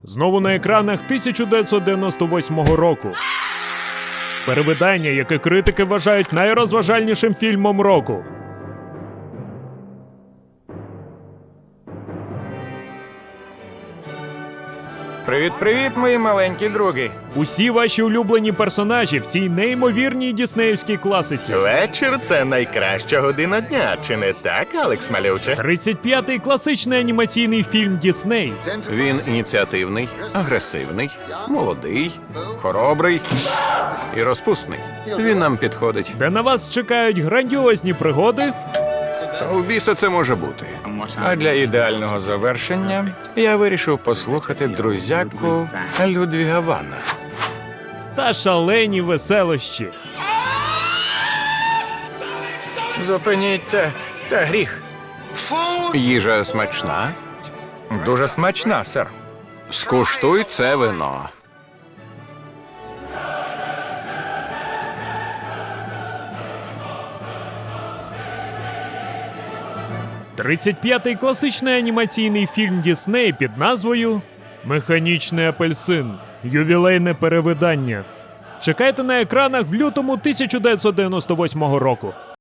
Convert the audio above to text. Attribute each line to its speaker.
Speaker 1: Знову на екранах 1998 року. Перевидання, яке критики вважають найрозважальнішим фільмом року.
Speaker 2: Привіт-привіт, мої маленькі други.
Speaker 1: Усі ваші улюблені персонажі в цій неймовірній діснеївській класиці.
Speaker 3: Вечір – це найкраща година дня, чи не так, Алекс Малюче?
Speaker 1: 35-й класичний анімаційний фільм Дісней.
Speaker 4: Він ініціативний, агресивний, молодий, хоробрий і розпусний. Він нам підходить.
Speaker 1: Де на вас чекають грандіозні пригоди,
Speaker 4: Та у біса це може бути.
Speaker 2: А для ідеального завершення я вирішив послухати друзяку Людвіга Вана.
Speaker 1: та шалені веселощі.
Speaker 2: Зупиніться, це гріх.
Speaker 4: Їжа смачна.
Speaker 2: Дуже смачна, сер.
Speaker 4: Скуштуй це вино.
Speaker 1: – 35-й класичний анімаційний фільм Дісней під назвою «Механічний апельсин. Ювілейне перевидання». Чекайте на екранах в лютому 1998 року.